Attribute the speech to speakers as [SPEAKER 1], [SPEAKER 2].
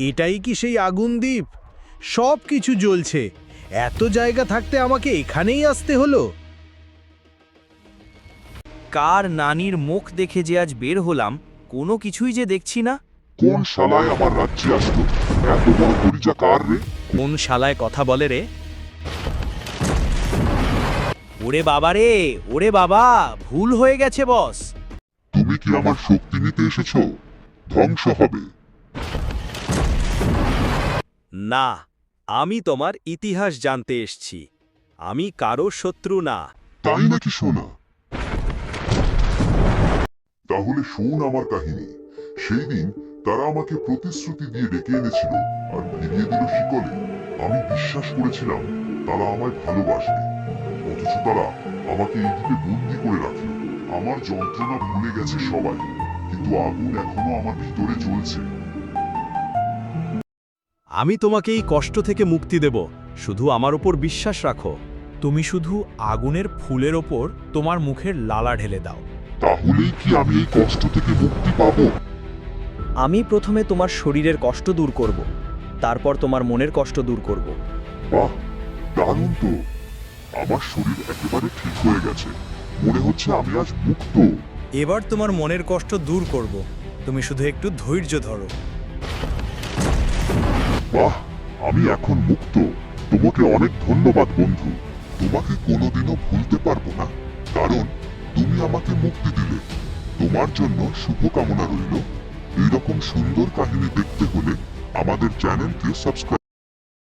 [SPEAKER 1] এটাই কি সেই আগুন দ্বীপ? সব কিছু জ্বলছে। এত জায়গা থাকতে আমাকে এখানেই আসতে হলো।
[SPEAKER 2] কার নানির মুখ দেখে যে আজ বের হলাম, কোনো কিছুই যে দেখছি না।
[SPEAKER 3] কোন শালায় আমার রাজ্যে আসলো? এত বড় পরিচা কার রে?
[SPEAKER 2] কোন শালায় কথা বলে রে? ওরে বাবা রে, ওরে বাবা, ভুল হয়ে গেছে বস।
[SPEAKER 3] তুমি কি আমার শক্তি নিতে এসেছো? ধ্বংস হবে।
[SPEAKER 2] না, আমি তোমার ইতিহাস জানতে এসছি। আমি কারো শত্রু না।
[SPEAKER 3] তাই নাকি শোনা? তাহলে শোন আমার কাহিনী। সেই দিন তারা আমাকে প্রতিশ্রুতি দিয়ে ডেকে এনেছিল আর ফিরিয়ে দিল শিকলে। আমি বিশ্বাস করেছিলাম তারা আমায় ভালোবাসবে, অথচ তারা আমাকে এই দ্বীপে বন্দি করে রাখলো। আমার যন্ত্রণা ভুলে গেছে সবাই, কিন্তু আগুন এখনো আমার ভিতরে জ্বলছে।
[SPEAKER 2] আমি তোমাকে এই কষ্ট থেকে মুক্তি দেব, শুধু আমার উপর বিশ্বাস রাখো।
[SPEAKER 4] তুমি শুধু আগুনের ফুলের ওপর তোমার মুখের লালা ঢেলে দাও।
[SPEAKER 3] তাহলেই কি আমি এই কষ্ট থেকে মুক্তি পাবো?
[SPEAKER 5] আমি প্রথমে তোমার শরীরের কষ্ট দূর করব, তারপর তোমার মনের কষ্ট দূর করব।
[SPEAKER 3] বাহ, দারুণ তো। আমার শরীর একেবারে ঠিক হয়ে গেছে। মনে হচ্ছে আমি আজ মুক্ত।
[SPEAKER 4] এবার তোমার মনের কষ্ট দূর করব, তুমি শুধু একটু ধৈর্য ধরো।
[SPEAKER 3] বাহ, আমি এখন মুক্ত। তোমাকে অনেক ধন্যবাদ বন্ধু। তোমাকে কোনোদিনও ভুলতে পারবো না, কারণ তুমি আমাকে মুক্তি দিলে। তোমার জন্য শুভকামনা রইল। এইরকম সুন্দর কাহিনী দেখতে হলে আমাদের চ্যানেলকে সাবস্ক্রাইব